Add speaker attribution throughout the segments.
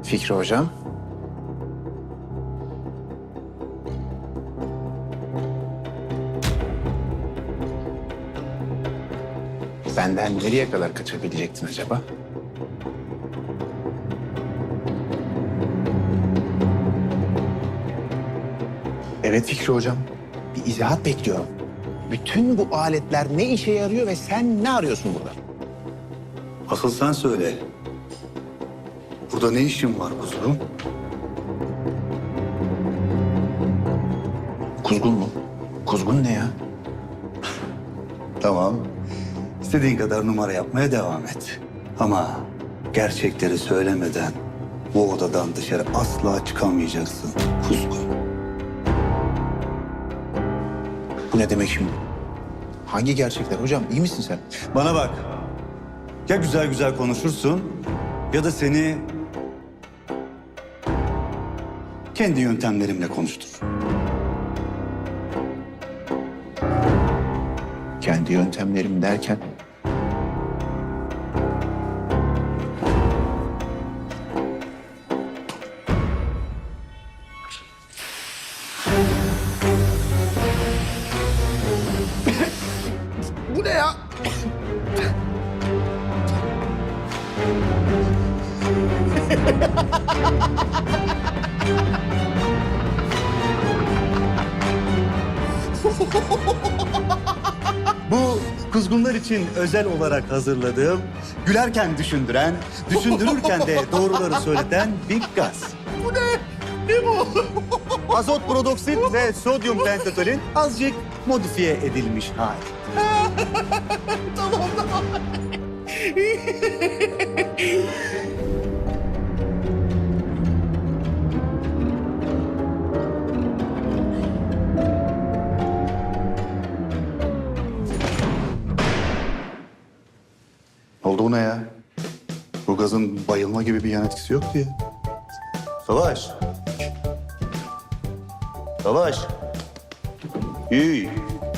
Speaker 1: Fikri hocam. Benden nereye kadar kaçabilecektin acaba? Evet Fikri hocam. Bir izahat bekliyorum. Bütün bu aletler ne işe yarıyor ve sen ne arıyorsun burada?
Speaker 2: Asıl sen söyle. Burada ne işin var kuzum?
Speaker 1: Kuzgun mu? Kuzgun ne ya?
Speaker 2: Tamam. İstediğin kadar numara yapmaya devam et. Ama gerçekleri söylemeden bu odadan dışarı asla çıkamayacaksın kuzgun.
Speaker 1: Bu ne demek şimdi? Hangi gerçekler hocam? İyi misin sen?
Speaker 2: Bana bak. Ya güzel güzel konuşursun ya da seni kendi yöntemlerimle konuştur.
Speaker 1: Kendi yöntemlerim derken... Bu ne ya?
Speaker 2: Bu kuzgunlar için özel olarak hazırladığım, gülerken düşündüren, düşündürürken de doğruları söyleten bir gaz. Bu ne? Ne bu? Azot protoksit ve sodyum pentatolin azıcık modifiye edilmiş hali.
Speaker 1: Tamam.
Speaker 2: Oldu bu ne ya? Bu gazın bayılma gibi bir yan etkisi yok diye. Savaş. Savaş. İyi.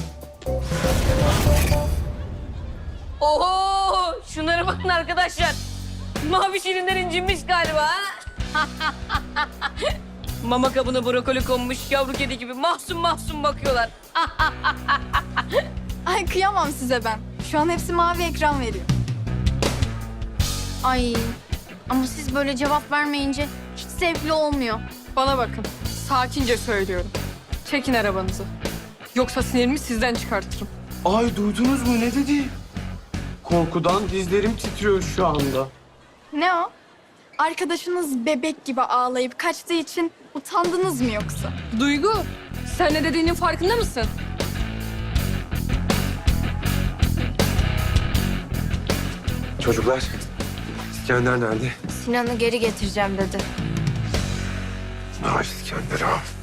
Speaker 3: Oho! Şunlara bakın arkadaşlar. Mavi şirinler incinmiş galiba ha? Mama kabına brokoli konmuş yavru kedi gibi mahzun mahzun bakıyorlar.
Speaker 4: Ay kıyamam size ben. Şu an hepsi mavi ekran veriyor.
Speaker 5: Ay ama siz böyle cevap vermeyince hiç zevkli olmuyor.
Speaker 6: Bana bakın. Sakince söylüyorum. Çekin arabanızı. Yoksa sinirimi sizden çıkartırım.
Speaker 7: Ay duydunuz mu ne dedi? Korkudan dizlerim titriyor şu anda.
Speaker 4: Ne o? Arkadaşınız bebek gibi ağlayıp kaçtığı için utandınız mı yoksa?
Speaker 6: Duygu, sen ne dediğinin farkında mısın?
Speaker 7: Çocuklar, İskender nerede?
Speaker 5: Sinan'ı geri getireceğim dedi.
Speaker 7: Ay İskender ha.